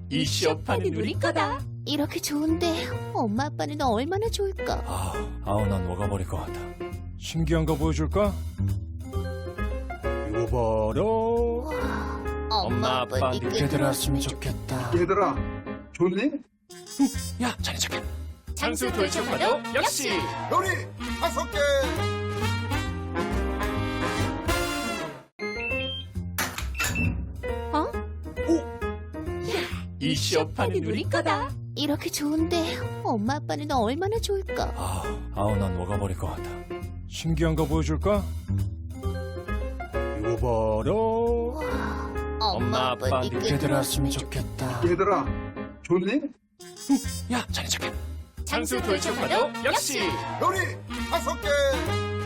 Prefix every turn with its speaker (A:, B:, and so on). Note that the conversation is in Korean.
A: 이 시어판은 우리 거다.
B: 이렇게 좋은데 엄마 아빠는 얼마나 좋을까?
C: 아우 난 녹아버릴 것 같아. 신기한 거 보여줄까? 이거 봐라.
B: 엄마 아빠
C: 늦게 들어왔으면 좋겠다.
D: 얘들아, 좋니?
C: 야 자네 착해.
A: 장수 돌출파도 역시.
D: 요리 5개.
A: 이 시어판은 우리 거다.
B: 이렇게 좋은데 엄마 아빠는 얼마나 좋을까?
C: 아우 난 녹아버릴 것 같아. 신기한 거 보여줄까? 이거 봐라.
B: 엄마 아빠
C: 늦게 들어왔으면 좋겠다.
D: 얘들아, 좋니?
C: 야 자네 착해.
A: 장수 돌출파도 역시.
D: 요리 5개.